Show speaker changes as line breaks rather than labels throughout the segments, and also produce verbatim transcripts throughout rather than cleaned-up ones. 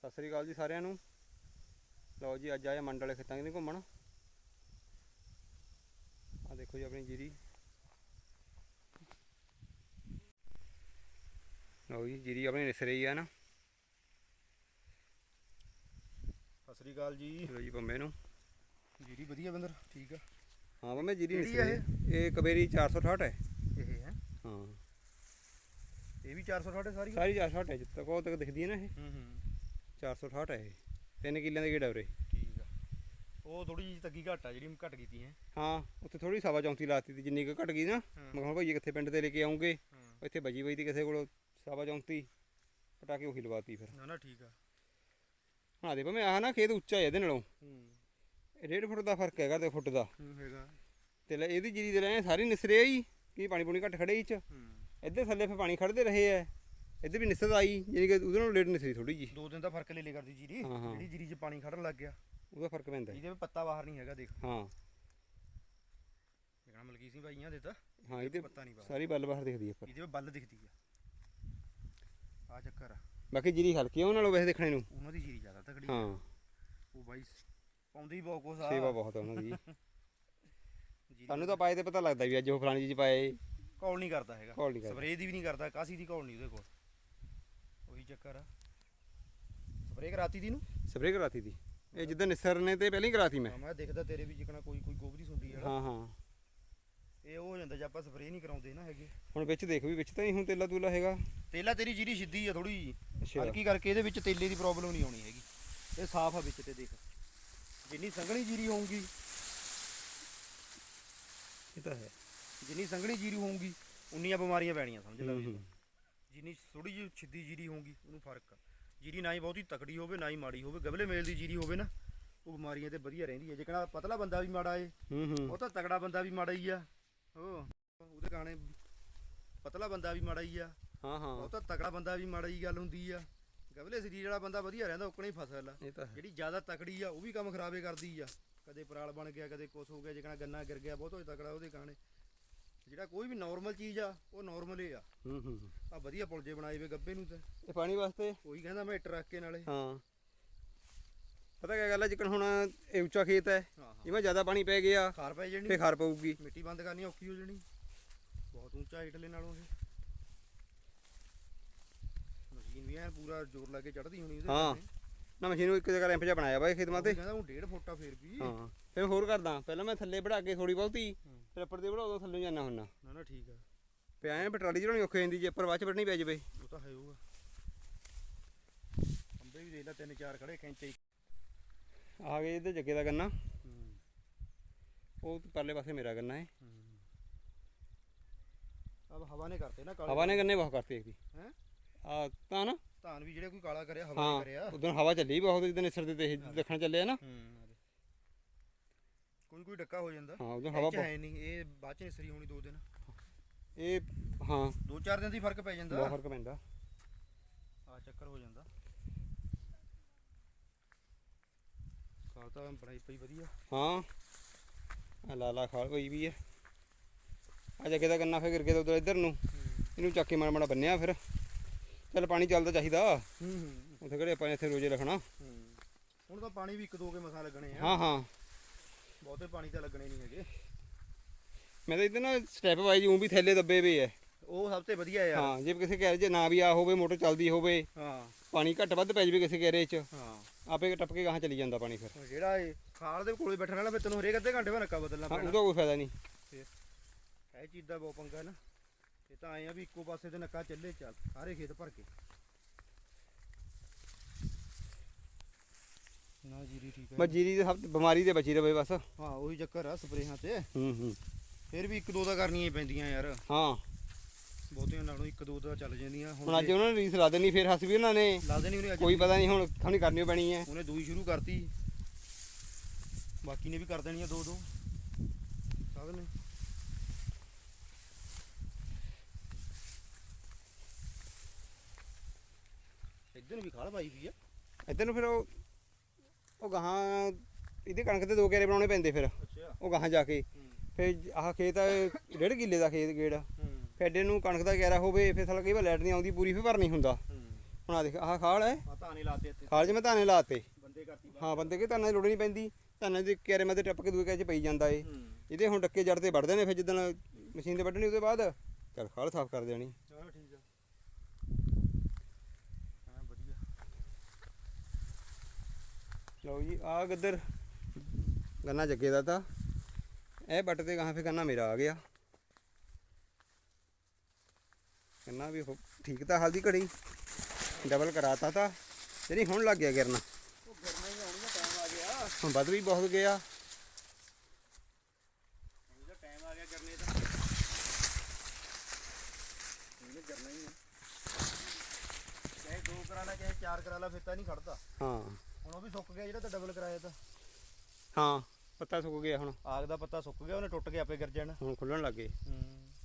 ਸਤਿ ਸ੍ਰੀ ਅਕਾਲ ਜੀ ਸਾਰਿਆਂ ਨੂੰ। ਲਓ ਜੀ ਅੱਜ ਆਏ ਮੰਡ ਵਾਲੇ ਖੇਤਾਂ ਕਿਤੇ ਘੁੰਮਣ। ਆ ਦੇਖੋ ਜੀ ਆਪਣੀ ਜੀਰੀ। ਲਓ ਜੀ ਜੀਰੀ ਆਪਣੀ ਨਿਸ ਰਹੀ ਆ ਨਾ।
ਸਤਿ ਸ੍ਰੀ ਅਕਾਲ ਜੀ।
ਲਓ ਜੀ ਪੰਮੇ ਨੂੰ
ਜੀਰੀ ਵਧੀਆ ਬੰਦਰ ਠੀਕ ਆ।
ਹਾਂ ਪੰਮੇ ਜੀਰੀ ਨਿਸ
ਕਿਹੜੀ ਆ
ਰਹੀ। ਇਹ ਕਬੇਰੀ ਚਾਰ ਸੌ ਅਠਾਹਠ ਹੈ।
ਇਹ ਹੈ
ਹਾਂ
ਇਹ ਵੀ ਚਾਰ ਸੌ ਅਠਾਹਠ ਸਾਰੀ
ਸਾਰੀ ਚਾਰ ਸੌ ਅਠਾਹਠ ਹੈ। ਜਿੱਥੇ ਤੱਕ ਉਹ ਤੱਕ ਦਿਖਦੀ ਹੈ ਨਾ ਇਹ
ਹੂੰ ਹੂੰ
ਚਾਰ ਸੌ ਅਠਾਹਠ ਹੈ। ਇਹ ਤਿੰਨ ਕਿੱਲਿਆਂ ਦੇ ਗੇੜਾ ਉਰੇ।
ਠੀਕ ਆ। ਉਹ ਥੋੜੀ ਜਿਹੀ ਤੱਗੀ ਘੱਟ ਆ ਜਿਹੜੀ ਘੱਟ ਕੀਤੀ ਹੈ।
ਹਾਂ ਉੱਥੇ ਥੋੜੀ ਸਵਾ ਚੌਂਤੀ ਲਾਤੀ ਤੀ ਜਿੰਨੀ ਕੁ ਘਟ ਗਈ ਨਾ। ਮੈਂ ਕਿਹਾ ਭਾਈ ਕਿੱਥੇ ਪਿੰਡ ਤੇ ਲੈ ਕੇ ਆਉਂਗੇ। ਇੱਥੇ ਬਜੀ ਬਈ ਤੀ ਕਿਸੇ ਕੋਲ ਸਵਾ ਚੌਂਤੀ ਪਟਾ ਕੇ ਉਹੀ ਲਵਾਤੀ ਫਿਰ।
ਨਾ ਨਾ ਠੀਕ ਆ।
ਹਾਂ ਦੇ ਭਾਵੇਂ ਆਹ ਨਾ ਖੇਤ ਉੱਚਾ ਹੈ ਇਹਦੇ ਨਾਲੋਂ।
ਹੂੰ
ਡੇਢ ਫੁੱਟ ਦਾ ਫਰਕ ਹੈਗਾ ਤੇ ਫੁੱਟ ਦਾ।
ਹੂੰ ਹੈਗਾ।
ਤੇ ਲੈ ਇਹਦੀ ਜੀਰੀ ਦੇ ਰਹੇ ਸਾਰੀ ਨਿਸਰੇ ਆਈ ਕਿ ਪਾਣੀ ਪੂਣੀ ਘੱਟ ਖੜੇ ਇਹ ਚ।
ਹੂੰ
ਇੱਧਰ ਥੱਲੇ ਫਿਰ ਪਾਣੀ ਖੜਦੇ ਰਹੇ ਐ। ਇੱਧਰ ਵੀ ਨਿਸਰ ਆਈ ਜਾਨੀ ਕਿ ਉਹਦੇ ਨਾਲੋਂ ਲੇਟ ਨਿਸਰੀ ਥੋੜੀ ਜੀ।
ਦੋ ਦਿਨ ਦਾ ਫਰਕ ਲੈ ਲੈ ਕਰਦੀ ਜੀਰੀ। ਜਿਹੜੀ ਜੀਰੀ 'ਚ ਪਾਣੀ ਖੜਨ ਲੱਗ ਗਿਆ
ਉਹਦਾ ਫਰਕ ਪੈਂਦਾ।
ਇਹਦੇ ਵਿੱਚ ਪੱਤਾ ਬਾਹਰ ਨਹੀਂ ਹੈਗਾ ਦੇਖ।
ਹਾਂ
ਦੇਖਣਾ ਮਲਕੀ ਸਿੰਘ ਭਾਈਆਂ ਦੇ ਤਾਂ
ਹਾਂ ਇਹਦੇ
ਪੱਤਾ ਨਹੀਂ ਬਾਹਰ।
ਸਾਰੀ ਬੱਲ ਬਾਹਰ ਦਿਖਦੀ ਹੈ ਪਰ
ਇਹਦੇ ਵਿੱਚ ਬੱਲ ਦਿਖਦੀ ਆ। ਆ ਚੱਕਰ ਆ।
ਬਾਕੀ ਜੀਰੀ ਹਲਕੀ ਆ ਉਹਨਾਂ ਨਾਲੋਂ ਵੈਸੇ ਦੇਖਣੇ ਨੂੰ।
ਉਹਨਾਂ ਦੀ ਜੀਰੀ ਜ਼ਿਆਦਾ ਤਕੜੀ।
ਹਾਂ
ਉਹ ਬਾਈ ਪਾਉਂਦੀ ਬਹੁਤ ਕੁਛ ਆ।
ਸੇਵਾ ਬਹੁਤ ਆ ਉਹਨਾਂ ਦੀ। ਸਾਨੂੰ ਤਾਂ ਪਾਏ ਤੇ ਪਤਾ ਲੱਗਦਾ ਵੀ ਅੱਜ ਉਹ ਫਲਾਣੀ ਚੀਜ਼ ਪਾਏ।
ਕੌਲ ਨਹੀਂ ਕਰਦਾ ਹੈਗਾ।
ਕੌਲ ਨਹੀਂ ਕਰਦਾ।
ਸਪਰੇਅ ਦੀ ਵੀ ਨਹੀਂ ਕਰਦਾ। ਕਾਸੀ ਦੀ ਕੌਲ ਨਹੀਂ ਉਹਦੇ ਕੋਲ। ਉਹੀ ਚੱਕਰ ਆ। ਸਪਰੇਅ ਕਰਾਤੀ ਦੀ ਨੂੰ
ਸਪਰੇਅ ਕਰਾਤੀ ਦੀ। ਇਹ ਜਿੱਦਾਂ ਨਿਸਰ ਨੇ ਤੇ ਪਹਿਲਾਂ ਹੀ ਕਰਾਤੀ ਮੈਂ।
ਮੈਂ ਦੇਖਦਾ ਤੇਰੇ ਵੀ ਜਿਕਣਾ ਕੋਈ ਕੋਈ ਗੋਬਰੀ ਸੁੰਡੀ ਆ।
ਹਾਂ ਹਾਂ
ਇਹ ਉਹ ਹੋ ਜਾਂਦਾ ਜੇ ਆਪਾਂ ਸਪਰੇਅ ਨਹੀਂ ਕਰਾਉਂਦੇ ਨਾ ਹੈਗੇ।
ਹੁਣ ਵਿੱਚ ਦੇਖ ਵੀ ਵਿੱਚ ਤਾਂ ਨਹੀਂ ਹੁਣ ਤੇਲਾ ਤੂਲਾ ਹੈਗਾ।
ਤੇਲਾ ਤੇਰੀ ਜੀਰੀ ਸਿੱਧੀ ਆ ਥੋੜੀ ਜੀ
ਅੱਛਾ
ਹਲਕੀ ਕਰਕੇ ਇਹਦੇ ਵਿੱਚ ਤੇਲੇ ਦੀ ਪ੍ਰੋਬਲਮ ਨਹੀਂ ਆਉਣੀ ਹੈਗੀ। ਇਹ ਸਾਫ਼ ਆ ਵਿੱਚ ਤੇ ਦੇਖ ਜਿੰਨੀ ਸੰਘਣੀ ਜੀਰੀ ਹੋਊਗੀ।
ਇਹ ਤਾਂ ਹੈ
ਜਿੰਨੀ ਸੰਘਣੀ ਜੀਰੀ ਹੋਊਗੀ ਉਨੀਆਂ ਬਿਮਾਰੀਆਂ ਪੈਣੀਆਂ ਸਮਝ ਲੈ। ਜਿੰਨੀ ਥੋੜੀ ਜਿਹੀ ਸਿੱਧੀ ਜੀਰੀ ਹੋਊਗੀ ਉਹਨੂੰ ਫਰਕ ਆ। ਜੀਰੀ ਨਾ ਹੀ ਬਹੁਤੀ ਤਕੜੀ ਹੋਵੇ ਨਾ ਹੀ ਮਾੜੀ ਹੋਵੇ। ਗਬਲੇ ਮੇਲ ਦੀ ਜੀਰੀ ਹੋਵੇ ਨਾ ਉਹ ਬਿਮਾਰੀਆਂ ਤੇ ਵਧੀਆ ਰਹਿੰਦੀ ਹੈ। ਜਿਕਣਾ ਪਤਲਾ ਬੰਦਾ ਵੀ ਮਾੜਾ ਏ ਉਹ ਤਾਂ ਤਗੜਾ ਬੰਦਾ ਵੀ ਮਾੜਾ ਹੀ ਆ। ਉਹ ਉਹਦੇ ਗਾਣੇ ਪਤਲਾ ਬੰਦਾ ਵੀ ਮਾੜਾ ਹੀ ਆ।
ਹਾਂ ਹਾਂ
ਉਹ ਤਾਂ ਤਗੜਾ ਬੰਦਾ ਵੀ ਮਾੜਾ ਹੀ ਗੱਲ ਹੁੰਦੀ ਆ। ਗਬਲੇ ਸਰੀਰ ਵਾਲਾ ਬੰਦਾ ਵਧੀਆ ਰਹਿੰਦਾ ਉਕਣੇ ਹੀ ਫਸਲ ਆ। ਜਿਹੜੀ ਜ਼ਿਆਦਾ ਤਕੜੀ ਆ ਉਹ ਵੀ ਕੰਮ ਖਰਾਬੇ ਕਰਦੀ ਆ। ਕਦੇ ਪਰਾਲ ਬਣ ਗਿਆ ਕਦੇ ਕੁਛ ਹੋ ਗਿਆ। ਜਿਕਣਾ ਗੰਨਾ ਗਿਰ ਗਿਆ ਬਹੁਤ ਹੋਏ ਤਕੜਾ ਉਹਦੇ ਗਾਣੇ। ਜਿਹੜਾ ਕੋਈ ਵੀ ਨਾਰਮਲ ਚੀਜ਼ ਆ ਉਹ ਨਾਰਮਲ ਹੀ ਆ।
ਹੂੰ ਹੂੰ
ਆ ਵਧੀਆ ਪੁਲਜੇ ਬਣਾਏ ਵੇ ਗੱਬੇ ਨੂੰ ਤੇ
ਇਹ ਪਾਣੀ ਵਾਸਤੇ
ਕੋਈ ਕਹਿੰਦਾ ਮੈਂ ਇੱਟ ਰੱਖ ਕੇ ਨਾਲੇ।
ਹਾਂ ਪਤਾ ਕਿਆ ਗੱਲ ਹੈ ਜਿਕਣ ਹੁਣ ਇਹ ਉੱਚਾ ਖੇਤ ਹੈ।
ਹਾਂ ਹਾਂ
ਇਹਵੇਂ ਜ਼ਿਆਦਾ ਪਾਣੀ ਪੈ ਗਿਆ
ਖਾਰ ਪੈ ਜਾਣੀ
ਫੇਰ ਖਾਰ ਪਊਗੀ।
ਮਿੱਟੀ ਬੰਦ ਕਰਨੀ ਔਖੀ ਹੋ ਜਾਣੀ। ਬਹੁਤ ਉੱਚਾ ਇਟਲੇ ਨਾਲੋਂ ਇਹ ਮਸ਼ੀਨ ਵੀ ਐ ਪੂਰਾ ਜ਼ੋਰ ਲਾ ਕੇ ਚੜ੍ਹਦੀ ਹੋਣੀ ਉਹਦੇ।
ਹਾਂ ਨਾ ਮਸ਼ੀਨ ਨੂੰ ਇੱਕ ਜਗ੍ਹਾ ਰੈਂਪ ਜਿਹਾ ਬਣਾਇਆ ਵਾ ਇਹ ਖੇਤ ਮਾਤੇ।
ਕਹਿੰਦਾ ਉਹ ਡੇਢ ਫੁੱਟਾ ਫੇਰ ਵੀ।
ਹਾਂ ਫਿਰ ਹੋਰ ਕਰਦਾ ਪਹਿਲਾਂ ਮੈਂ ਥੱਲੇ ਵੜਾ ਕੇ ਥੋੜੀ ਬਹੁਤੀ ਫਿਰ ਉੱਪਰ ਦੇ ਵੜਾਉਦਾ ਥੱਲੇ ਜਾਣਾ ਹੁੰਨਾ।
ਨਾ ਨਾ ਠੀਕ ਆ।
ਪਿਆ ਐ ਪਟਰਾਲੀ ਚੜਾਉਣੀ ਔਖੀ ਜਾਂਦੀ ਜੇ ਉੱਪਰ ਬਾਅਦ ਚ ਵੱਢਣੀ ਪੈ ਜਾਵੇ।
ਉਹ ਤਾਂ ਹੈ ਹੋਊਗਾ। ਅੰਬੇ ਵੀ ਦੇਖ ਲੈ ਤਿੰਨ ਚਾਰ ਖੜੇ ਕੈਂਚੇ।
ਆ ਗਏ ਇਹਦੇ ਜੱਗੇ ਦਾ ਗੰਨਾ।
ਹੂੰ
ਉਹ ਪਰਲੇ ਪਾਸੇ ਮੇਰਾ ਗੰਨਾ ਹੈ।
ਅਬ ਹਵਾ ਨੇ ਕਰਤੇ ਨਾ ਕਾਲੇ।
ਹਵਾ ਨੇ ਗੰਨੇ ਬਹੁਤ ਕਰਤੇ ਇਹਦੀ
ਹੈ
ਆ ਤਾਂ ਨਾ।
ਧਾਨ ਵੀ ਜਿਹੜੇ ਕੋਈ ਕਾਲਾ ਕਰਿਆ ਹਵਾ ਨੇ ਕਰਿਆ।
ਉਦੋਂ ਹਵਾ ਚੱਲੀ ਬਹੁਤ ਜਿੱਦਾਂ ਨਿਸਰ ਦੇ ਤੇ ਦੇਖਣ ਚੱਲੇ ਆ ਨਾ।
ਕੋਈ ਕੋਈ ਡੱਕਾ ਹੋ ਜਾਂਦਾ।
ਹਾਂ ਉਦੋਂ ਹਵਾ
ਹੈ ਨਹੀਂ ਇਹ ਬਾਅਦ ਚ ਨਿਸਰੀ ਹੋਣੀ ਦੋ ਦਿਨ।
ਇਹ ਹਾਂ
ਦੋ ਚਾਰ ਦਿਨ ਦੀ ਫਰਕ ਪੈ ਜਾਂਦਾ।
ਬਹੁਤ ਫਰਕ ਪੈਂਦਾ।
ਆ ਚੱਕਰ ਹੋ ਜਾਂਦਾ। ਖਾਲ ਤਾਂ ਬਣਾਈ ਪਈ ਵਧੀਆ।
ਹਾਂ ਆ ਲਾਲਾ ਖਾਲ ਪਈ ਵੀ ਹੈ। ਆ ਜੱਗੇ ਦਾ ਗੰਨਾ ਫਿਰ ਗਿਰ ਗਿਆ ਤਾਂ ਉਧਰ ਇੱਧਰ ਨੂੰ ਇਹਨੂੰ ਚੱਕ ਕੇ ਮਾੜਾ ਮਾੜਾ ਬੰਨਿਆ। ਫਿਰ ਚੱਲ ਪਾਣੀ ਚੱਲਦਾ ਚਾਹੀਦਾ।
ਹੂੰ ਹੂੰ
ਉੱਥੇ ਕਿਹੜੇ ਆਪਾਂ ਇੱਥੇ ਰੋਜ਼ੇ ਰੱਖਣਾ।
ਹੁਣ ਤਾਂ ਪਾਣੀ ਵੀ ਇੱਕ ਦੋ ਕੇ ਮਸਾ ਲੱਗਣੇ ਆ।
ਹਾਂ ਹਾਂ
ਬਹੁਤੇ ਪਾਣੀ ਤਾਂ ਲੱਗਣੇ ਨਹੀਂ ਹੈਗੇ।
ਮੈਂ ਤਾਂ ਇੱਧਰ ਨਾ ਸਟੈਪ ਵਾਈਜ਼ ਉਹ ਵੀ ਥੈਲੇ ਦੱਬੇ ਵੇ ਹੈ।
ਉਹ ਸਭ ਤੋਂ ਵਧੀਆ ਯਾਰ।
ਹਾਂ ਜੇ ਕਿਸੇ ਕਹਿ ਜੇ ਨਾ ਵੀ ਆ ਹੋਵੇ ਮੋਟਰ ਚੱਲਦੀ ਹੋਵੇ।
ਹਾਂ
ਪਾਣੀ ਘੱਟ ਵੱਧ ਪੈ ਜਾਵੇ ਕਿਸੇ ਘੇਰੇ 'ਚ
ਹਾਂ
ਆਪੇ ਟੱਪ ਕੇ ਗਾਹਾਂ ਚਲੀ ਜਾਂਦਾ ਪਾਣੀ। ਫਿਰ
ਜਿਹੜਾ ਇਹ ਖਾਲ ਦੇ ਕੋਲੇ ਬੈਠਣ ਵਾਲਾ ਫਿਰ ਤੈਨੂੰ ਹਰੇਕ ਅੱਧੇ ਘੰਟੇ ਬਾਅਦ ਨੱਕਾ ਬਦਲਣਾ
ਹਾਂ
ਪੈਣਾ।
ਉਹਦਾ ਕੋਈ ਫਾਇਦਾ ਨਹੀਂ।
ਇਹ ਚੀਜ਼ ਦਾ ਬਹੁਤ ਪੰਗਾ ਨਾ। ਇਹ ਤਾਂ ਆਏ ਆ ਵੀ ਇੱਕੋ ਪਾਸੇ ਤੇ ਨੱਕਾ ਚੱਲੇ ਚੱਲ ਸਾਰੇ ਖੇਤ ਭਰ ਕੇ। ਨਾ ਜੀਰੀ ਠੀਕ ਹੈ।
ਬਸ ਜੀਰੀ ਦੇ ਸਭ ਬਿਮਾਰੀ ਦੇ ਬਚੀ ਰਵੇ ਬਸ।
ਹਾਂ ਉਹੀ ਚੱਕਰ ਆ ਸਪਰੇਹਾਂ ਤੇ।
ਹੂੰ ਹੂੰ
ਫਿਰ ਵੀ ਇੱਕ ਦੋ ਤਾਂ ਕਰਨੀਆਂ ਹੀ ਪੈਂਦੀਆਂ ਯਾਰ।
ਹਾਂ
ਬਹੁਤੀਆਂ ਨਾਲੋਂ ਇੱਕ ਦੋ ਤਾਂ ਚੱਲ ਜਾਂਦੀਆਂ।
ਹੁਣ ਅੱਜ ਉਹਨਾਂ ਨੇ ਰੀਸ ਲਾ ਦੇਣੀ ਫਿਰ ਹੱਸ ਵੀ ਉਹਨਾਂ ਨੇ
ਲਾ ਦੇਣੀ ਉਹਨੇ ਅੱਜ।
ਕੋਈ ਪਤਾ ਨਹੀਂ ਹੁਣ ਖਾਣੀ ਕਰਨੀ ਪੈਣੀ ਹੈ।
ਉਹਨੇ ਦੂਈ ਸ਼ੁਰੂ ਕਰਤੀ ਬਾਕੀ ਨੇ ਵੀ ਕਰ ਦੇਣੀ ਆ ਦੋ ਦੋ ਸਭ ਨੇ। ਇੱਧਰ ਵੀ ਖਾਲ ਪਾਈ ਪਈ ਆ।
ਇੱਧਰ ਨੂੰ ਫਿਰ ਉਹ ਉਹ ਗਾਹਾਂ ਇਹਦੇ ਕਣਕ ਦੇ ਦੋ ਘੇਰੇ ਬਣਾਉਣੇ ਪੈਂਦੇ। ਫਿਰ
ਅੱਛਾ
ਉਹ ਗਾਹਾਂ ਜਾ ਕੇ ਫਿਰ ਆਹ ਖੇਤ ਡੇਢ ਕਿੱਲੇ ਦਾ ਖੇਤ ਗੇੜ। ਫਿਰ ਐਡੇ ਨੂੰ ਕਣਕ ਦਾ ਘੇਰਾ ਹੋਵੇ ਫਿਰ ਸਾਲਾ ਕਈ ਵਾਰ ਲਾਈਟ ਨਹੀਂ ਆਉਂਦੀ ਪੂਰੀ ਫਿਰ ਭਰ ਨਹੀਂ ਹੁੰਦਾ। ਹੁਣ ਆ ਦੇਖ ਆਹ ਖਾਲ ਹੈ,
ਆ ਧਾਨੇ ਲਾਤੇ ਇੱਥੇ
ਖਾਲ 'ਚ ਮੈਂ ਧਾਨੇ ਲਾਤੇ।
ਬੰਦੇ ਕਰਤੀ
ਹਾਂ ਬੰਦੇ ਕਿ ਧਾਨਾਂ ਦੀ ਲੋੜ ਨਹੀਂ ਪੈਂਦੀ, ਧਾਨਾਂ ਦੇ ਕਿਆਰੇ ਮধ্যੇ ਟੱਪ ਕੇ ਦੂਏ ਕਿਆਰੇ 'ਚ ਪਈ ਜਾਂਦਾ ਏ।
ਹੂੰ
ਇਹਦੇ ਹੁਣ ਡੱਕੇ ਜੜ ਤੇ ਵੱਢਦੇ ਨੇ, ਫਿਰ ਜਿੱਦਣ ਮਸ਼ੀਨ ਤੇ ਵੱਢਣੀ ਉਹਦੇ ਬਾਅਦ ਚੱਲ ਖਾਲ ਸਾਫ਼ ਕਰ ਦੇਣੀ।
ਚਲੋ ਠੀਕ ਆ ਹਾਂ ਵਧੀਆ।
ਲਓ ਜੀ ਆ ਗੱਦਰ ਗੰਨਾ ਜੱਗੇ ਦਾ ਤਾਂ ਇਹ ਬੱਟ ਤੇ ਗਾਹਾਂ ਫਿਰ ਗੰਨਾ ਮੇਰਾ ਆ ਗਿਆ। ਗੰਨਾ ਵੀ ਹੋ- ਠੀਕ ਤਾਂ ਹਾਲ ਦੀ ਘੜੀ ਡਬਲ ਕਰਾਤਾ ਤਾਂ ਜਿਹੜੀ ਹੁਣ ਲੱਗ ਗਿਆ ਗਿਰਨਾ।
ਉਹ ਗਰਮਾ ਹੀ ਆਉਣੀ ਦਾ ਟਾਈਮ ਆ ਗਿਆ,
ਹੁਣ ਵੱਧ ਵੀ ਬਹੁਤ ਗਿਆ।
ਇਹਦਾ ਟਾਈਮ ਆ ਗਿਆ ਕਰਨੇ ਦਾ, ਇਹਨੇ ਕਰਨਾ ਹੀ ਆ। ਚਾਹੇ ਦੋ ਕਰਾ ਲਾ ਚਾਹੇ ਚਾਰ ਕਰਾ ਲਾ, ਫਿਰ ਤਾਂ ਨਹੀਂ ਖੜਦਾ।
ਹਾਂ
ਹੁਣ ਉਹ ਵੀ ਸੁੱਕ ਗਿਆ ਜਿਹੜਾ ਤਾਂ ਡਬਲ ਕਰਾਇਆ ਤਾਂ।
ਹਾਂ ਪੱਤਾ ਸੁੱਕ ਗਿਆ, ਹੁਣ
ਆਗ ਦਾ ਪੱਤਾ ਸੁੱਕ ਗਿਆ, ਉਹਨੇ ਟੁੱਟ ਕੇ ਆਪੇ ਗਿਰ ਜਾਣਾ।
ਹੁਣ ਖੁੱਲਣ ਲੱਗ ਗਏ।
ਹੂੰ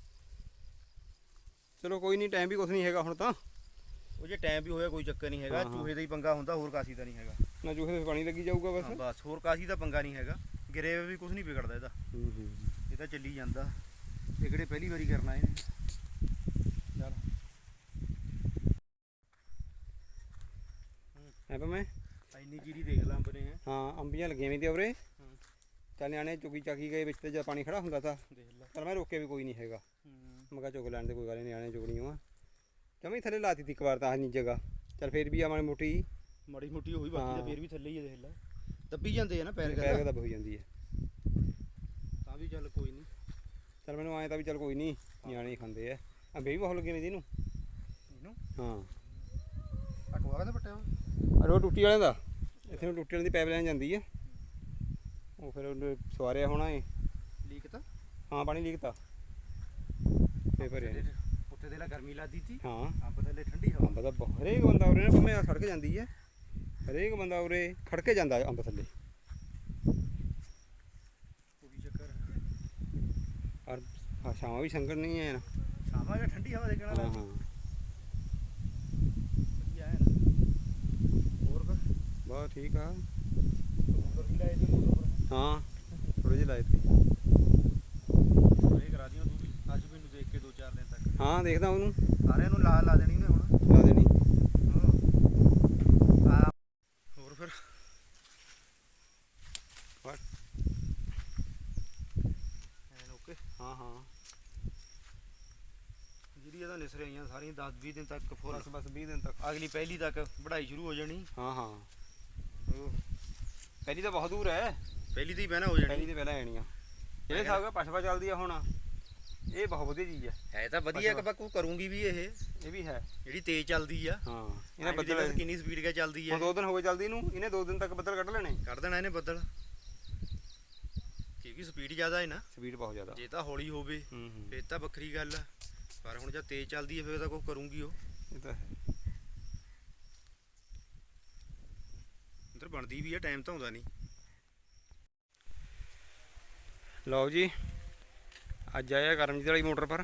ਚਲੋ ਕੋਈ ਨਹੀਂ, ਟਾਈਮ ਵੀ ਕੁਛ ਨਹੀਂ ਹੈਗਾ ਹੁਣ ਤਾਂ।
ਉਹ ਜੇ ਟਾਈਮ ਵੀ ਹੋਇਆ ਕੋਈ ਚੱਕਰ ਨਹੀਂ ਹੈਗਾ,
ਹਾਂ, ਹਾਂ।
ਚੂਹੇ ਦਾ ਹੀ ਪੰਗਾ ਹੁੰਦਾ, ਹੋਰ ਕਾਸੀ ਦਾ ਨਹੀਂ ਹੈਗਾ।
ਨਾ ਚੂਹੇ ਦੇ ਪਾਣੀ ਲੱਗੀ ਜਾਊਗਾ
ਹਾਂ
ਬਸ।
ਬਸ ਹੋਰ ਕਾਸੀ ਦਾ ਪੰਗਾ ਨਹੀਂ ਹੈਗਾ, ਗਿਰੇ ਵੀ ਕੁਝ ਨਹੀਂ ਵਿਗੜਦਾ ਇਹਦਾ,
ਹੂੰ ਹੂੰ
ਇਹ ਤਾਂ ਚੱਲੀ ਜਾਂਦਾ। ਇਹ ਕਿਹੜੇ ਪਹਿਲੀ ਵਾਰੀ ਕਰਨਾ ਇਹਨੇ। ਚੱਲ
ਹੈ ਪਾ ਮੈਂ
ਇੰਨੀ ਜੀਰੀ ਦੇਖ ਲਾਂ ਬਨੇ ਹੈ।
ਹਾਂ ਅੰਬੀਆਂ ਲੱਗੀਆਂ ਵੀ ਤੇ ਉਰੇ।
ਹੂੰ
ਚੱਲ ਨਿਆਣੇ ਚੁਗੀ ਚਾਕੀ ਗਏ ਵਿੱਚ ਤੇ ਜਦ ਪਾਣੀ ਖੜਾ ਹੁੰਦਾ ਤਾਂ
ਦੇਖ ਲਾ।
ਪਰ ਮੈਂ ਰੋਕਿਆ ਵੀ ਕੋਈ ਨਹੀਂ ਹੈਗਾ।
ਹੂੰ
ਮੈਂ ਕਿਹਾ ਚੁਗ ਲੈਣ ਦੇ, ਕੋਈ ਗੱਲ ਨਹੀਂ, ਨਿਆਣੇ ਚੁਗਣੀਆਂ ਆ। ਜਮੀ ਥੱਲੇ ਲਾਤੀ ਤੀ ਇੱਕ ਵਾਰ ਤਾਂ ਆਹ ਨੀ ਜਗ੍ਹਾ। ਚੱਲ ਫੇਰ ਵੀ ਆ ਮਾੜੀ ਮੋਟੀ
ਮਾੜੀ ਮੋਟੀ ਹੋਈ, ਬਾਕੀ
ਹਾਂ।
ਤਾਂ ਫੇਰ ਵੀ ਥੱਲੇ ਹੀ ਆ, ਦੇਖ ਲਾ ਦੱਬੀ ਜਾਂਦੇ ਆ ਨਾ ਪੈਰ
ਪੈਰ
ਕਰ,
ਦਾ ਹੋ ਜਾਂਦੀ ਹੈ।
ਤਾਂ ਵੀ ਚੱਲ ਕੋਈ ਨਹੀਂ।
ਚੱਲ ਮੈਨੂੰ ਆਏ ਤਾਂ ਵੀ ਚੱਲ ਕੋਈ ਨਹੀਂ, ਨਿਆਣੇ ਹੀ ਖਾਂਦੇ ਆ। ਅੰਬੇ ਵੀ ਬਹੁਤ ਲੱਗੇ ਨੇ ਇਹਨੂੰ।
ਇਹਨੂੰ
ਹਾਂ
ਅਕਵਾ ਕਹਿੰਦਾ ਪੱਟਿਆ ਵਾ।
ਅਰੇ ਉਹ ਟੁੱਟੀ ਵਾਲਿਆਂ ਦਾ, ਇੱਥੇ ਨੂੰ ਟੁੱਟੀ ਵਾਲੀ ਦੀ ਪਾਈਪ ਲਾਈਨ ਜਾਂਦੀ ਹੈ। ਉਹ ਫਿਰ ਉਹਨੇ ਸਵਾਰਿਆ ਹੋਣਾ ਏ।
ਲੀਕ ਤਾਂ
ਹਾਂ ਪਾਣੀ ਲੀਕ ਤਾ ਫੇਰ ਭਰਿਆ ਨੀ।
ਉੱਥੇ ਦੇ ਲਾ ਗਰਮੀ ਲੱਗਦੀ ਸੀ,
ਹਾਂ
ਅੰਬ ਥੱਲੇ ਠੰਡੀ ਹਵਾ।
ਅੰਬ ਤਾਂ ਬਹੁਤ- ਹਰੇਕ ਬੰਦਾ ਉਰੇ ਨਾ ਭਾਵੇਂ ਆਹ ਸੜਕ ਜਾਂਦੀ ਹੈ, ਹਰੇਕ ਬੰਦਾ ਉਰੇ ਖੜ ਕੇ ਜਾਂਦਾ ਅੰਬ ਥੱਲੇ।
ਕੋਈ ਚੱਕਰ
ਔਰ ਹਾਂ ਛਾਵਾਂ ਵੀ ਸੰਗਣ ਨਹੀਂ ਹੈ ਨਾ।
ਸ਼ਾਮਾਂ ਜਾਂ ਠੰਡੀ ਹਵਾ ਦੇਖਣਾ
ਹਾਂ
ਲਾ
ਹਾਂ
ਵਧੀਆ ਹੈ ਨਾ। ਹੋਰ ਫਿਰ
ਬਹੁਤ ਠੀਕ ਆ।
ਕਬੂਤਰ ਵੀ ਲਾਏ ਤੇ ਮੋਟਰ ਪਰ
ਹਾਂ ਥੋੜੇ ਜਿਹੇ ਲਾਏ ਤੇ।
ਇਹ ਕਰਾ ਦਿਓ ਤੂੰ ਵੀ ਅੱਜ ਮੈਨੂੰ ਦੇਖ ਕੇ ਦੋ ਚਾਰ ਦਿਨ ਤੱਕ
ਹਾਂ ਦੇਖਦਾ ਉਹਨੂੰ
ਸਾਰਿਆਂ ਨੂੰ ਲਾ ਲਾ ਦੇਣੀ ਨੇ ਹੁਣ।
ਲਾ ਦੇਣੀ।
ਹਾਂ ਹੋਰ ਫਿਰ
ਬਸ
ਐਨ ਓਕੇ।
ਹਾਂ ਹਾਂ
ਜਿਹੜੀ ਇਹਦਾ ਨਿਸਰੇ ਆਈਆਂ ਸਾਰੀਆਂ ਦਸ ਵੀਹ ਦਿਨ ਤੱਕ ਫੁੱਲ,
ਬਸ ਬਸ ਵੀਹ ਦਿਨ ਤੱਕ।
ਅਗਲੀ ਪਹਿਲੀ ਤੱਕ ਵਢਾਈ ਸ਼ੁਰੂ ਹੋ ਜਾਣੀ।
ਹਾਂ ਹਾਂ ਪਹਿਲੀ ਤਾਂ ਬਹੁਤ ਦੂਰ ਹੈ,
ਪਹਿਲੀ ਦੀ ਬਹਿਣਾ ਹੋ
ਪਹਿਲੀ
ਜਾਣੀ।
ਤੇ ਪਹਿਲਾਂ ਆਣੀਆਂ। ਜਿਹੜੇ ਹਿਸਾਬ ਨਾਲ ਪਛਵਾ ਚੱਲਦੀ ਆ ਹੁਣ, ਇਹ ਬਹੁਤ ਵਧੀਆ ਚੀਜ਼ ਹੈ।
ਹੈ ਤਾਂ ਵਧੀਆ ਕਿ ਬਾਕੂ ਕਰੂੰਗੀ ਵੀ ਇਹ
ਇਹ ਵੀ ਹੈ।
ਜਿਹੜੀ ਤੇਜ਼ ਚੱਲਦੀ ਆ।
ਹਾਂ
ਇਹਨੇ
ਇਹਨੇ ਬੱਦਲ
ਕਿੰਨੀ ਸਪੀਡ ਕੇ ਚੱਲਦੀ
ਹੁਣ
ਆ।
ਦੋ ਦਿਨ ਹੋ ਗਏ ਚੱਲਦੀ ਨੂੰ, ਇਹਨੇ ਦੋ ਦਿਨ ਤੱਕ ਬੱਦਲ ਕੱਢ ਲੈਣੇ।
ਕੱਢ ਦੇਣਾ ਇਹਨੇ ਬੱਦਲ, ਕਿਉਂਕਿ ਸਪੀਡ ਜ਼ਿਆਦਾ ਹੈ ਨਾ।
ਸਪੀਡ ਬਹੁਤ ਜ਼ਿਆਦਾ।
ਜੇ ਤਾਂ ਹੌਲੀ ਹੋਵੇ
ਹੂੰ ਹੂੰ
ਫੇਰ ਤਾਂ ਵੱਖਰੀ ਗੱਲ ਆ, ਪਰ ਹੁਣ ਜਦ ਤੇਜ਼ ਚੱਲਦੀ ਹੈ ਫੇਰ ਤਾਂ ਕੁਛ ਕਰੂੰਗੀ ਉਹ।
ਇਹ ਤਾਂ ਹੈ।
ਇੱਧਰ ਬਣਦੀ ਵੀ ਆ, ਟਾਈਮ ਤਾਂ ਆਉਂਦਾ ਨਹੀਂ।
ਲਓ ਜੀ ਅੱਜ ਆਇਆ ਕਰਮਜੀਤ ਵਾਲੀ ਮੋਟਰ ਪਰ।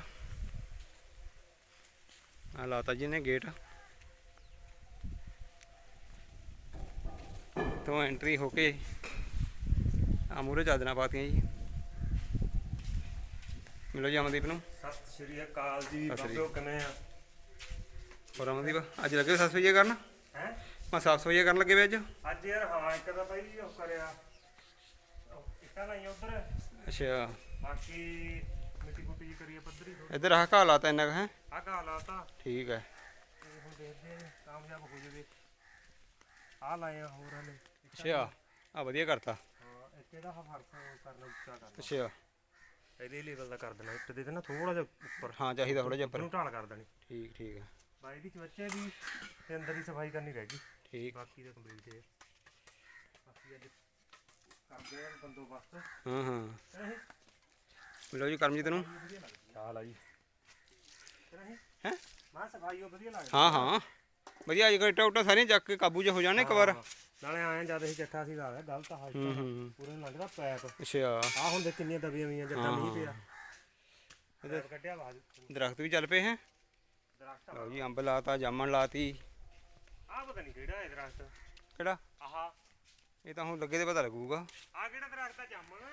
ਆ ਲਾਤਾ ਜੀ ਨੇ ਗੇਟ ਤੋਂ ਐਂਟਰੀ ਹੋ ਕੇ ਆ ਮੂਹਰੇ ਚਾਦਰਾਂ ਪਾਤੀਆਂ ਜੀ। ਮਿਲੋ ਜੀ ਅਮਨਦੀਪ ਨੂੰ।
ਸਤਿ ਸ਼੍ਰੀ ਅਕਾਲ ਜੀ।
ਸਤਿ ਸ਼੍ਰੀ
ਬਾਬਿਓ ਕਿਵੇਂ ਆ?
ਹੋਰ ਅਮਨਦੀਪ ਅੱਜ ਲੱਗੇ ਸਾਫ਼ ਸਫਾਈ ਕਰਨ?
ਹੈ
ਮੈਂ ਸਾਫ਼ ਸਫਾਈ ਕਰਨ ਲੱਗੇ ਵੇ ਅੱਜ।
ਅੱਜ ਯਾਰ ਹਾਂ ਇੱਕ ਤਾਂ ਪਹਿਲੀ ਉਹ ਕਰਿਆ ਇੱਟਾਂ ਲਾਈਆਂ ਉਧਰ,
ਅੱਛਾ
ਬਾਕੀ ਮਿੱਟੀ ਮੁੱਟੀ ਜਿਹੀ ਕਰੀਏ ਪੱਧਰੀ ਥੋੜੀ।
ਇੱਧਰ ਆਹ ਘਾਹ ਲਾਤਾ ਇੰਨਾ ਕੁ ਹੈ।
ਆਹ ਘਾਹ ਲਾਤਾ
ਠੀਕ ਹੈ।
ਤੇ ਹੁਣ ਦੇਖਦੇ ਆ ਕਾਮਯਾਬ ਹੋ ਜਾਵੇ। ਆਹ ਲਾਏ ਆ ਹੋਰ ਹਲੇ।
ਅੱਛਾ ਆ ਵਧੀਆ ਕਰਤਾ।
ਹਾਂ ਇੱਕ ਇਹਦਾ ਆਹ ਫਰਕ ਕਰਨਾ ਉੱਚਾ ਕਰਨਾ,
ਅੱਛਾ
ਇਹਦੇ ਲੈਵਲ ਦਾ ਕਰ ਦੇਣਾ। ਇੱਟ ਦੇ ਤੇ ਨਾ ਥੋੜਾ ਜਿਹਾ ਉੱਪਰ
ਹਾਂ ਚਾਹੀਦਾ ਥੋੜਾ ਜਿਹਾ
ਨੂੰ
ਉੱਪਰ।
ਢਾਲ ਕਰ ਦੇਣੀ।
ਠੀਕ ਠੀਕ ਹੈ
ਬਾਈ ਦੀ ਚਵੱਚੇ ਦੀ ਤੇ ਅੰਦਰ ਦੀ ਸਫਾਈ ਕਰਨੀ ਰਹਿ ਗਈ,
ਠੀਕ।
ਬਾਕੀ ਦਾ ਕੰਪਲੀਟ ਹੈ। ਬਾਕੀ ਅੱਜ ਕਰਦੇ ਆ ਬੰਦੋਬਸਤ।
ਹਾਂ ਹਾਂ ਮਿਲੋ ਜੀ ਕਰਮਜੀਤ ਨੂੰ।
ਚਾਲ ਆ ਜੀ
ਹੈਂ
ਮਾਂ ਸਫਾਈ ਉਹ ਵਧੀਆ ਲੱਗਦੀ।
ਹਾਂ ਹਾਂ ਵਧੀਆ। ਅੱਜ ਕੱਲ੍ਹ ਇੱਟਾਂ ਉੱਟਾਂ ਸਾਰੀਆਂ ਚੱਕ ਕੇ ਕਾਬੂ 'ਚ ਹੋ ਜਾਣੇ ਇੱਕ ਵਾਰ।
ਹਾਂ, ਨਾਲੇ ਆਏ ਜਦ ਅਸੀਂ ਚੱਠਾ ਸੀ ਲਾ ਲਿਆ ਗਲਤ ਹਾਲ
ਹੂੰ ਹੂੰ
ਪੂਰੇ ਨੂੰ ਲੱਗਦਾ ਪੈਪ।
ਅੱਛਾ
ਆਹ ਹੁਣ ਦੇ ਕਿੰਨੀਆਂ ਦਬੀਆਂ ਹੋਈਆਂ ਜੱਟਾਂ ਮੀਂਹ ਪਿਆ।
ਇਹਦੇ
ਪੈਪ ਕੱਢਿਆ ਬਾਜ
ਦਰਖਤ ਵੀ ਚੱਲ ਪਏ ਹੈ।
ਦਰਖਤ।
ਲਓ ਜੀ ਅੰਬ ਲਾਤਾ, ਜਾਮਣ ਲਾਤੀ।
ਆਹ ਪਤਾ ਨਹੀਂ ਕਿਹੜਾ ਹੈ ਦਰਖਤ।
ਕਿਹੜਾ?
ਆਹ
ਇਹ ਤਾਂ ਹੁਣ ਲੱਗੇ ਤੇ ਪਤਾ ਲੱਗੂਗਾ।
ਆਹ ਕਿਹੜਾ ਦਰਖਤ ਆ? ਜਾਮਣ।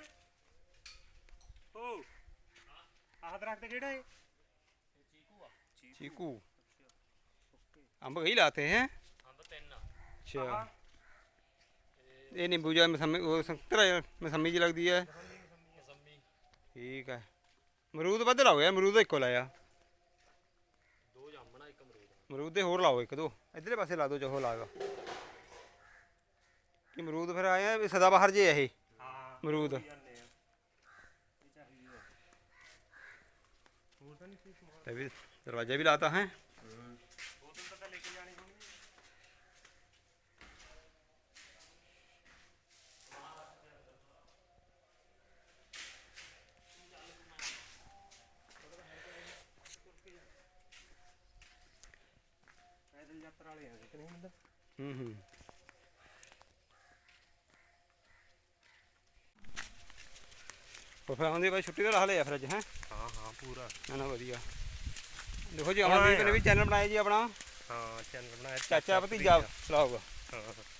ਓ ਆਹ ਦਰਖਤ ਕਿਹੜਾ ਹੈ?
ਚੀਕੂ ਅੰਬ ਕਈ ਲਾਤੇ ਹੈ
ਅੰਬ ਤਿੰਨ ਆ।
ਅੱਛਾ ਇਹ ਨਿੰਬੂ ਜਾਂ ਮਸੰਮੀ ਉਹ ਸੰਤਰਾ ਜਿਹਾ ਮਸੰਮੀ ਜੀ ਲੱਗਦੀ ਹੈ
ਮਸੰਮੀ
ਠੀਕ ਹੈ ਅਮਰੂਦ ਵੱਧ ਲਾਓ ਯਾਰ ਅਮਰੂਦ ਤਾਂ ਇੱਕੋ ਲਾਇਆ
ਦੋ ਜਾਮਣਾ ਇੱਕ ਅਮਰੂਦ।
ਅਮਰੂਦ ਦੇ ਹੋਰ ਲਾਓ ਇੱਕ ਦੋ ਇੱਧਰਲੇ ਪਾਸੇ ਲਾ ਦਿਓ ਚਾਹੋ ਲਾਗਾ ਕਿ ਅਮਰੂਦ ਫਿਰ ਆਇਆ ਵੀ ਸਦਾ ਬਾਹਰ ਜੇ ਇਹ
ਹਾਂ
ਅਮਰੂਦ
ਜਾਂਦੇ ਆ ਇਹ ਚਾਹੀਦੀ ਆ ਹੋਰ ਤਾਂ ਨਹੀਂ ਕੋਈ ਸਮਾਨ
ਇਹ ਵੀ ਦਰਵਾਜ਼ਾ ਵੀ ਲਾਤਾ ਹੈ
ਬੋਤਲ ਤਾਂ ਲੈ ਕੇ ਜਾਣੀ ਹੋਣੀ ਪੈਦਲ ਯਾਤਰਾ ਵਾਲੇ ਆ ਕਿ ਨਹੀਂ ਹੁੰਦਾ
ਹੂੰ ਹੂੰ ਉਹ ਫਿਰ ਆਉਂਦੇ ਬਾਈ ਛੁੱਟੀ ਦਾ ਲਾ ਲਿਆ ਫਿਰ ਅੱਜ ਹੈ
ਹਾਂ ਹਾਂ ਪੂਰਾ
ਨਾ ਨਾ ਵਧੀਆ ਦੇਖੋ ਜੀ ਅਮਨਦੀਪ ਨੇ ਵੀ ਚੈਨਲ ਬਣਾਇਆ ਜੀ ਆਪਣਾ
ਹਾਂ ਚੈਨਲ ਬਣਾਇਆ
ਚਾਚਾ ਭਤੀਜਾ ਚਲਾਊਗਾ
ਹਾਂ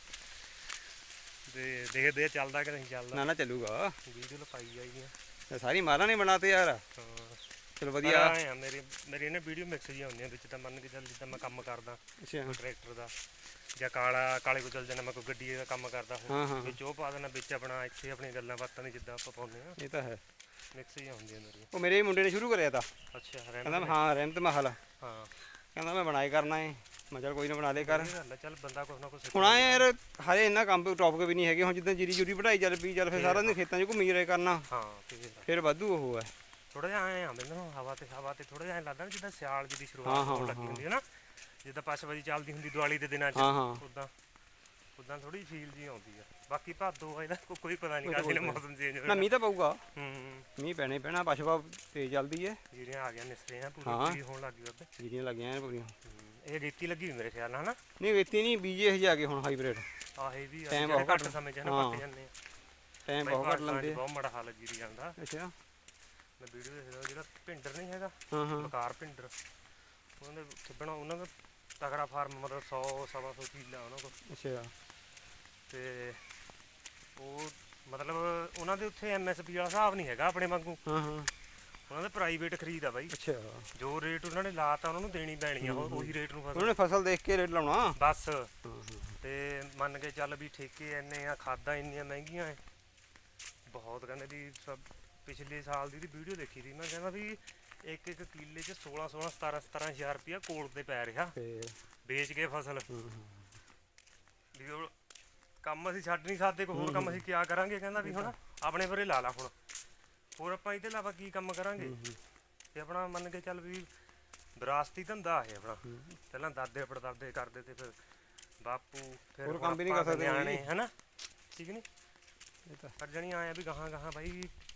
ਦੇ ਦੇਖਦੇ ਆ ਚੱਲਦਾ ਕਿ ਨਹੀਂ ਚੱਲਦਾ
ਨਾ ਨਾ ਚੱਲੂਗਾ
ਵੀਡੀਓ ਪਾਈ ਜਾਈਆਂ
ਇਹ ਸਾਰੀ ਮਾਲਾਂ ਨੇ ਬਣਾਤੇ ਯਾਰ
ਹਾਂ
ਚਲੋ
ਵਧੀਆ
ਵਧੀਆ
ਆ ਮੇਰੇ ਮੇਰੇ ਨੇ ਵੀਡੀਓ ਮਿਕਸ ਜੀ ਆਉਂਦੀਆਂ ਵਿੱਚ ਤਾਂ ਮੰਨ ਕੇ ਚੱਲ ਜਿੱਦਾਂ ਮੈਂ ਕੰਮ ਕਰਦਾ
ਅੱਛਾ
ਕੋਈ ਟਰੈਕਟਰ ਦਾ ਜਾਂ ਕਾਲਾ ਕਾਲੇ ਕੋਲ ਚੱਲ ਜਾਣਾ ਮੈਂ ਕੋਈ ਗੱਡੀ ਦਾ ਕੰਮ ਕਰਦਾ
ਹਾਂ ਹਾਂ
ਵਿੱਚ ਉਹ ਪਾ ਦੇਣਾ ਵਿੱਚ ਆਪਣਾ ਇੱਥੇ ਆਪਣੀਆਂ ਗੱਲਾਂ ਬਾਤਾਂ ਦੀ ਜਿੱਦਾਂ ਆਪਾਂ ਪਾਉਂਦੇ ਆ
ਇਹ ਤਾਂ ਹੈ
ਮਿਕਸ ਹੀ ਹੁੰਦੀਆਂ ਮੇਰੀਆਂ
ਉਹ ਮੇਰੇ ਮੁੰਡੇ ਨੇ ਸ਼ੁਰੂ ਕਰਿਆ ਤਾ
ਅੱਛਾ
ਕਹਿੰਦਾ
ਰਹਿਣ
ਹਾਂ ਰਹਿਮਤ ਮਹਲ
ਹਾਂ
ਕਹਿੰਦਾ ਮੈਂ ਬਣਾਏ ਕਰਨਾ ਏ ਮੈਂ ਚੱਲ ਕੋਈ ਨਾ ਬਣਾ ਦੇ ਕਰ
ਇਹ ਗੱਲ ਆ, ਚੱਲ ਬੰਦਾ ਕੁਛ ਨਾ ਕੁਛ
ਹੁਣ ਆਏ ਯਾਰ ਹਰੇ ਇੰਨਾ ਕੰਮ ਟੌਪਿਕ ਵੀ ਨਹੀਂ ਹੈਗੇ ਹੁਣ ਜਿੱਦਾਂ ਜੀਰੀ ਜੂਰੀ ਵਢਾਈ ਚੱਲ ਪਈ ਚੱਲ ਫਿਰ ਸਾਰਾ ਦਿਨ ਖੇਤਾਂ 'ਚ ਘੁੰਮੀ ਰਹੇ ਕਰਨਾ
ਹਾਂ ਤੇ
ਫਿਰ ਵਾਧੂ ਉਹ ਹੈ
ਥੋੜਾ ਜਿਹਾ ਐ ਆ ਮੈਨੂੰ ਹਵਾ ਤੇ ਹਵਾ ਤੇ ਥੋੜਾ ਜਿਹਾ ਐਂ ਲੱਗਦਾ ਵੀ ਜਿੱਦਾਂ ਸਿਆਲ ਜੀ ਦੀ
ਹਾਂ,
ਸ਼ੁਰੂਆਤ
ਹਾਂ,
ਹੋਣ ਲੱਗੀ
ਹਾਂ।
ਹੁੰਦੀ ਹੈ ਨਾ ਜਿੱਦਾਂ ਪਛਵਾਜੀ ਚੱਲਦੀ ਹੁੰਦੀ ਦੀਵਾਲੀ ਦੇ ਦਿਨਾਂ 'ਚ
ਹਾਂ ਹਾਂ
ਉਦਾਂ ਉਦਾਂ ਥੋੜੀ ਫੀਲ ਜੀ ਆਉਂਦੀ ਆ ਬਾਕੀ ਭਾਦੋ ਆ ਇਹਦਾ ਕੋ- ਕੋਈ ਪਤਾ ਨਹੀਂ
ਉਹ ਤਾਂ
ਕਾਹਦੇ
ਕੋਈ
ਮੌਸਮ ਚੇਂਜ
ਨਾ
ਹੋਣਾ
ਮੀਂਹ ਤਾਂ ਪਊਗਾ
ਹੂੰ
ਮੀਂਹ ਪੈਣੇ ਪੈਣਾ ਪਸ਼ਵਾ ਤੇਜ਼ ਚੱਲਦੀ ਹੈ
ਜਿਹੜੀਆਂ ਆ ਗਿਆ ਨਿਸਰੇ ਆ
ਹਾਂ।
ਪੂਰੀ ਹੋਣ ਲੱਗ ਗਈ ਉੱਤੇ
ਜੀਰੀਆਂ ਲੱਗੀਆਂ ਐਨ ਪੂਰੀਆਂ
ਇਹ ਰੇਤੀ ਲੱਗੀ ਹੋਈ ਮੇਰੇ ਖਿਆਲ ਨਾਲ ਹਨਾ
ਨਹੀਂ ਵੇਤੀ ਨਹੀਂ ਬੀਜੇ ਇਹ ਜਾ ਕੇ ਹੁਣ ਹਾਈਬ੍ਰਿਡ
ਆਹੇ ਵੀ ਆ
Time
ਜਿਹੜੇ
ਬਹੁਤ
ਘੱਟ
ਘੱਟ
ਸਮੇਂ ਚ ਨਾ
ਹਾਂ।
ਪੱਕ ਜਾਂਦੇ ਆ
ਟਾਈਮ
ਬਾਈ
ਬਹੁਤ ਘੱਟ
ਭਾਰਤਾਂ 'ਚ
ਲੈਂਦੇ ਆ
ਬਹੁਤ ਮਾੜਾ ਹਾਲ ਜੀਰੀ ਜਾਂਦਾ
ਅੱਛਾ
ਮੈਂ ਵੀਡੀਓ ਦੇਖਦਾ ਜਿਹੜਾ ਭਿੰਡਰ ਨਹੀਂ ਹੈਗਾ
ਹਾਂ ਹਾਂ
ਬਕਾਰ ਭਿੰਡਰ ਉਹਨਾਂ ਦੇ ਖਿੱਬਣਾ ਉਹਨਾਂ ਦਾ ਤਗੜਾ ਫਾਰਮ ਮਤਲਬ ਸੌ ਸਵਾ ਸੌ ਕਿੱਲਾ ਉਹਨਾਂ ਕੋਲ
ਅੱਛਾ
ਤੇ ਉਹ ਮਤਲਬ ਉਹਨਾਂ ਦੇ ਉੱਥੇ ਐਮ ਐਸ ਪੀ ਵਾਲਾ ਹਿਸਾਬ ਨਹੀਂ ਹੈਗਾ ਆਪਣੇ ਵਾਂਗੂ
ਹਾਂ ਹਾਂ
ਉਹਨਾਂ ਦੇ ਪ੍ਰਾਈਵੇਟ ਖਰੀਦ ਆ ਬਾਈ
ਅੱਛਾ
ਜੋ ਰੇਟ ਉਹਨਾਂ ਨੇ ਲਾਤਾ ਉਹਨਾਂ ਨੂੰ ਦੇਣੀ ਪੈਣੀ ਆ ਉਹ- ਉਹੀ ਰੇਟ ਨੂੰ
ਉਹਨਾਂ
ਫਸਲ
ਨੇ ਫਸਲ ਦੇਖ ਕੇ ਰੇਟ ਲਾਉਣਾ
ਬਸ
ਹਾਂ ਹਾਂ
ਤੇ ਮੰਨ ਕੇ ਚੱਲ ਵੀ ਠੇਕੇ ਇੰਨੇ ਆ ਖਾਦਾਂ ਇੰਨੀਆਂ ਮਹਿੰਗੀਆਂ ਐ ਬਹੁਤ ਕਹਿੰਦੇ ਵੀ ਸਭ ਪਿਛਲੇ ਸਾਲ ਦੀ ਦੀ ਵੀਡੀਓ ਦੇਖੀ ਸੀ ਮੈਂ ਕਹਿੰਦਾ ਵੀ ਇੱਕ ਇੱਕ ਕਿੱਲੇ 'ਚ ਸੋਲਾਂ ਸੋਲਾਂ ਸਤਾਰਾਂ ਸਤਾਰਾਂ ਹਜ਼ਾਰ ਰੁਪਇਆ ਕੋਲ ਤੇ ਪੈ ਰਿਹਾ
ਫੇਰ
ਵੇਚ ਕੇ ਫਸਲ
ਹਾਂ ਹਾਂ
ਵੀ ਉਹ ਕੰਮ ਅਸੀਂ ਛੱਡ ਨਹੀਂ ਸਕਦੇ ਕੋਈ ਹੋਰ ਕੰਮ ਅਸੀਂ ਕਿਆ ਕਰਾਂਗੇ ਕਹਿੰਦਾ ਵੀ ਹੁਣ ਆਪਣੇ ਪਰੇ ਲਾ ਲਾ ਹੁਣ ਹੋਰ ਆਪਾਂ ਇਹਦੇ ਇਲਾਵਾ ਕੀ ਕੰਮ ਕਰਾਂਗੇ ਤੇ ਆਪਣਾ ਮੰਨ ਕੇ ਚੱਲ ਵੀ ਵਿਰਾਸਤੀ ਧੰਦਾ ਹੈ ਆਪਣਾ ਪਹਿਲਾਂ ਦਾਦੇ ਪੜਦਾਦੇ ਕਰਦੇ ਤੇ ਫਿਰ ਬਾਪੂ ਫਿਰ
ਹੋਰ
ਹੁਣ
ਕੰਮ ਵੀ ਨਹੀਂ ਕਰ
ਆਪਾਂ
ਸਕਦੇ
ਨਿਆਣੇ
ਜੀ।
ਹਨਾ ਠੀਕ ਨਹੀਂ
ਇਹ ਤਾਂ
ਪਰ ਜਣੀ ਆਇਆ ਵੀ ਗਾਹਾਂ ਗਾਹਾਂ ਬਾਈ